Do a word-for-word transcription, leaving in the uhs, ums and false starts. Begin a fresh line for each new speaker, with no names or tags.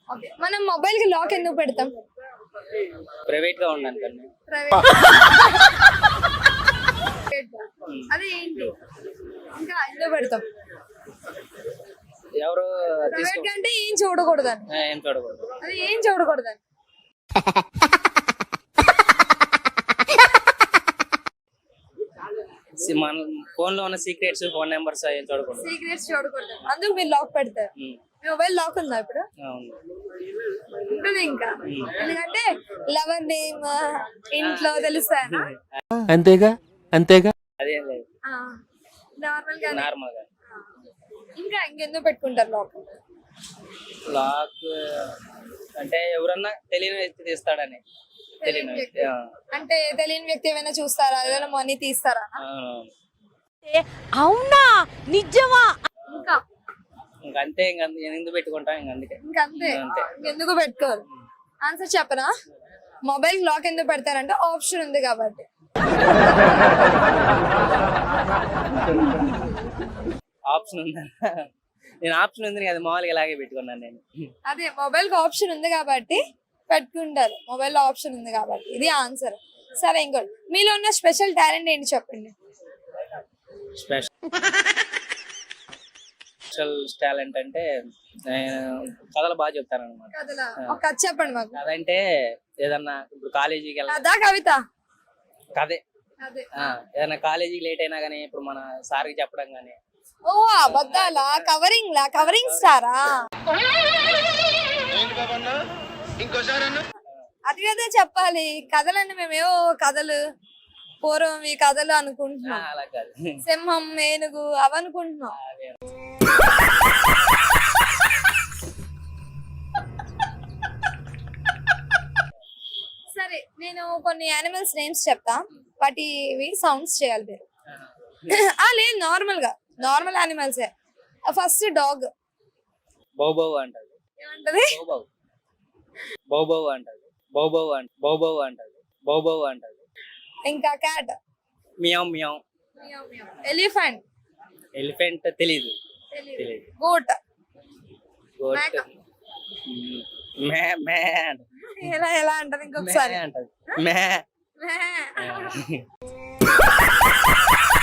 Okay, మనం mobile కి lock ఎందుకు పెడతాం?
ప్రైవేట్ గా ఉండాలి కన్నా.
ప్రైవేట్. అదే ఏంటి ఇంకా ఎందుకు పెడతాం?
ఎవరు
ప్రైవేట్ అంటే ఏం చూడకూడదని.
ఏం చూడకూడదు.
అది ఏం చూడకూడదని.
మన ఫోన్ లో ఉన్న సీక్రెట్స్, ఫోన్ నెంబర్స్ ఏం చూడకూడదు.
సీక్రెట్స్ చూడకూడదు, అందుకు మీరు లాక్ పెడతారు. మీ మొబైల్ లాక్ ఉందా ఇప్పుడు? ఉంటుంది ఇంకా, ఎందుకంటే లవర్ నేమ్ ఇంట్లో తెలుస్తాయనా?
అంతేగా అంతేగా.
అదేం లేదు,
నార్మల్ గా.
నార్మల్ గా.
ఇంకా ఇంకెందుకు పెట్టుకుంటారు లాక్?
లాక్ అంటే ఎవరన్నా తెలియని వ్యక్తి తీస్తాడని. తెలియని వ్యక్తి
అంటే తెలియని వ్యక్తి ఏమైనా చూస్తారా, ఏదైనా మనీ తీస్తారా?
అవునా, నిజమా?
ఇంకా
ఇంకా అంతే, ఇంకా ఎందుకు పెట్టుకుంటాం, ఇంకా అందుకే.
ఇంకంతే, ఎందుకు పెట్టుకోరు? ఆన్సర్ చెప్పనా? మొబైల్ లాక్ ఎందుకు పెడతారంటే ఆప్షన్ ఉంది కాబట్టి.
ఆప్షన్ ఉందా? నేను ఆప్షన్ ఉంది కదా, మామూలుగా ఇలాగే పెట్టుకున్నాను నేను.
అదే మొబైల్ కి ఆప్షన్ ఉంది కాబట్టి పెట్టుకుంటారు, మొబైల్ లో ఆప్షన్ ఉంది కాబట్టి. ఇది ఆన్సర్. సరే, ఇంకోటి, మీలో ఉన్న స్పెషల్ టాలెంట్ ఏంటి చెప్పండి?
స్పెషల్ స్పెషల్ టాలెంట్ అంటే కథలు బాగా చెప్తాను అనమాట.
కథలా? ఒక కథ చెప్పండి మాకు.
అదంటే ఏదన్నా ఇప్పుడు కాలేజీకి వెళ్ళాలి,
కథ కవిత?
కదే.
అదే.
ఏదైనా కాలేజీకి లేట్ అయినా గానీ, ఇప్పుడు మన సార్కి చెప్పడం గానీ.
ఓ అబద్ధాలా? కవరింగ్ లా? కవరింగ్ స్టారా? అది కదా చెప్పాలి. కథలన్నీ మేమేవో కథలు, పూర్వం ఈ కథలు అనుకుంటున్నాం.
అలా కాదు,
సింహం, ఏనుగు అవనుకుంటున్నాం. సరే, నేను కొన్ని యానిమల్స్ నేమ్స్ చెప్తా, వాటివి సౌండ్స్ చేయాలి మీరు. లేదు, నార్మల్ గా normal animals. First dog.
Bow bow అంటది.
ఏమంటది?
బౌ బౌ బౌ అంటది. బౌ బౌ అంట బౌ బౌ అంటది. బౌ బౌ అంటది.
ఇంకా cat.
Meow meow.
Elephant.
Elephant తెలీదు. తెలీదు.
గోట్.
గోట్ మే మే
ఎలా ఎలా అంటది ఇంకొకసారి?
అంటది మే.
మే.